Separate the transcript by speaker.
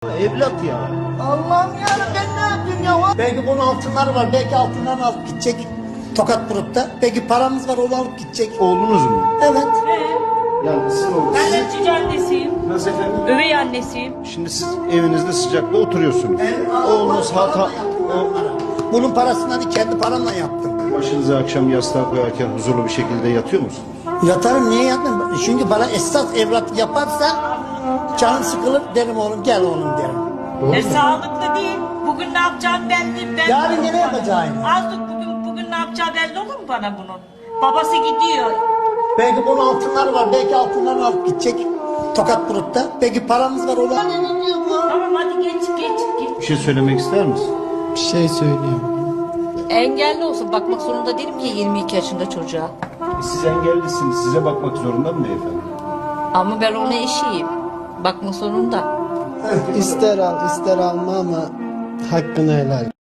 Speaker 1: Evlat ya.
Speaker 2: Allah'ım ya ben ne yapayım ya?
Speaker 1: Belki bunun altınları var. Belki altınlarını alıp gidecek. Tokat grupta. Belki paramız var onu alıp gidecek.
Speaker 3: Oğlunuz mu?
Speaker 1: Evet.
Speaker 3: Yani sizin oğlunuz.
Speaker 4: Ben de cici annesiyim.
Speaker 3: Nasıl efendim?
Speaker 4: Övey annesiyim.
Speaker 3: Şimdi siz evinizde sıcakta oturuyorsunuz. Oğlunuz
Speaker 1: Bunun parasını hani kendi paramla yaptım.
Speaker 3: başınızı akşam yastığa koyarken huzurlu bir şekilde yatıyor musunuz?
Speaker 1: Yatarım niye yatmam? Çünkü bana esas evlat yaparsa canım sıkılır derim oğlum gel oğlum derim.
Speaker 4: Sağlıklı değil. Bugün ne yapacağım belli.
Speaker 1: Yarın gene yapacağım.
Speaker 4: Az dur bugün ne yapacağı belli olur mu bana bunun? Babası gidiyor.
Speaker 1: Belki bunun altınları var. Belki altınlarını alıp gidecek. Tokat grupta. Belki paramız var onu.
Speaker 4: Tamam hadi geç.
Speaker 3: Bir şey söylemek ister misin?
Speaker 5: Bir şey söyleyeyim.
Speaker 6: Engelli olsun, bakmak zorunda değilim ki 22 yaşında çocuğa.
Speaker 3: Siz engellisiniz. Size bakmak zorunda mı beyefendi?
Speaker 6: Ama ben ona eşiyim. Bakmak zorunda.
Speaker 5: İster al ister alma ama hakkını helal.